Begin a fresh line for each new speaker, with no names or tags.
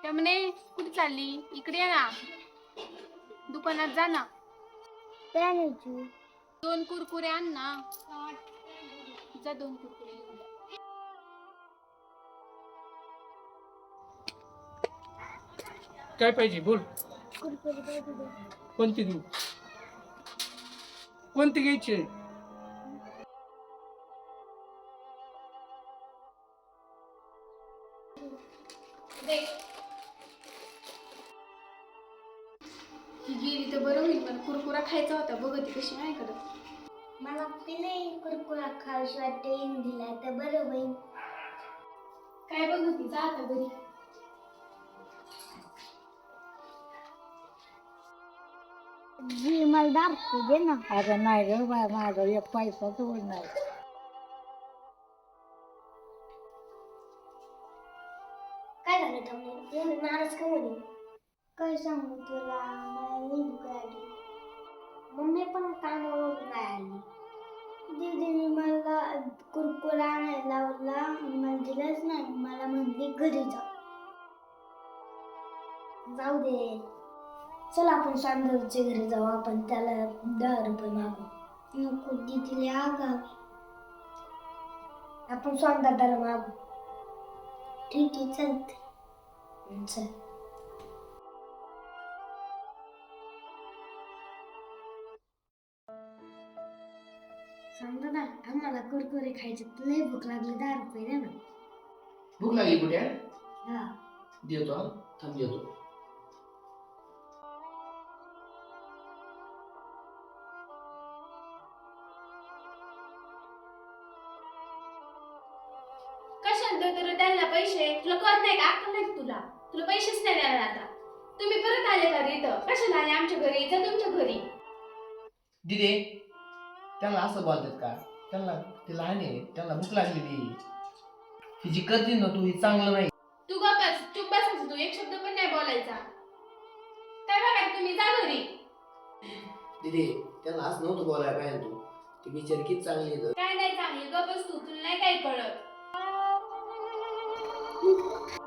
त्यामुळे कुठे चालली? इकडे ये ना, दुकानात जा ना. दोन कुरकुरे आण ना. जा 2 कुरकुरे घेऊन ये.
काय पाहिजे बोल. कोणती देऊ? कोणती घ्यायची आहे?
ही गेली तर बरं होईल, पण कुरकुरा खायचा होता. बघ ती कशी नाही करत.
मला नाही कुरकुरा खाऊशी वाटते, दिला तर बरं होईल.
काय बघ ती, जा आता घरी.
जी मला दाखवू दे ना.
अगं नाही ग बाय, माझा एक पैसा जवळ नाही.
काय झालं थांबले एवढं नाराज का म्हणे? काय सांगू तुला, मला लई भूक लागली. मम्मी पण कामावरून नाही आली. दीदीने मला कुरकुरा आणायला लावला, मला दिलाच नाही. मला म्हणली घरी जा. जाऊ दे, चल आपण सांदरच्या घरी जाऊ. आपण त्याला 10 रुपये मागू. नको, दीदीले आगावी. आपण स्वांदादाला मागू. ठीक आहे, चलते. चल. सांगता ना, आम्हाला कुरकुरे खायचे, लय भूक लागली. 10 रुपये दे ना.
भूक लागली कुठे?
हा.
देतो हा, थांब देतो.
कशाला देतो त्यांना पैसे? तुला कळत नाही का? अक्कल नाही तुला? तुला पैसेच नाही देणार आता. तुम्ही परत आले का रे इथं? कशाला आले आमच्या घरी? जा तुमच्या घरी.
दिदे, त्यांना असं बोलतात का? त्यांना ते लहान आहे, त्यांना भूक लागलेली. हिची करते ना तू, ही चांगलं नाही.
तू गप्पच, चुप बसायचं. तू एक शब्द पण नाही बोलायचा. काय बघा तुम्ही, जा घरी.
दिदे, त्यांना असं नव्हतं बोलायला पाहिजे तू. ती बिचारी किती चांगली आहे.
काय नाही चांगली, गप्पच तू. तुला नाही काही कळत.